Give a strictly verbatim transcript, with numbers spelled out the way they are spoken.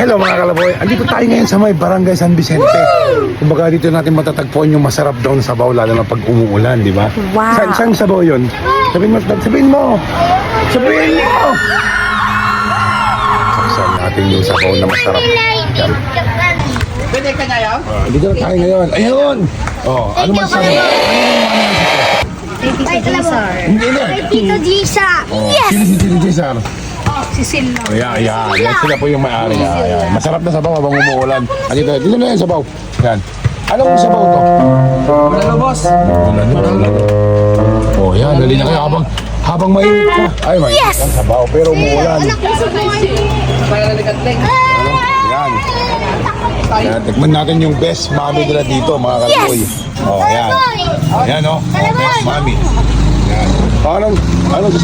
Hello mga kalaboy, andito tayo ngayon sa may Barangay San Vicente. Kumbaga dito natin matatagpuan yung masarap daw na sabaw lalo na pag umuulan, di ba? Wow. Saan, saan sabaw yun? Sabihin mo, sabihin mo! Sabihin mo! Saan natin yung sabaw na masarap? Yan. Pwede ka na yan? Ah, dito na tayo ngayon. Ayun! Oh, ano man sabaw? Kay Tito Cesar. Hindi na. Tito Gisa. Oh, sino si Tito Cesar? Si Silo. Ayan, ayan. Yan sila po yung may-ari. Ayan, ayan. Masarap na sabaw habang umuulan. Ah, dito, dito na yung sabaw. Yan. Anong sabaw to? Wala na, boss. Ulan, ulan. Oh, yan. Dali na kayo habang habang mainit pa. Ay, mainit ang sabaw pero umuulan. Kaya naligatling. Yan. Yan. Tikman natin yung best mami nila dito, mga kalaboy. Oh, yan. Ayan, oh. Oh, best mami. Yan. Parang, ano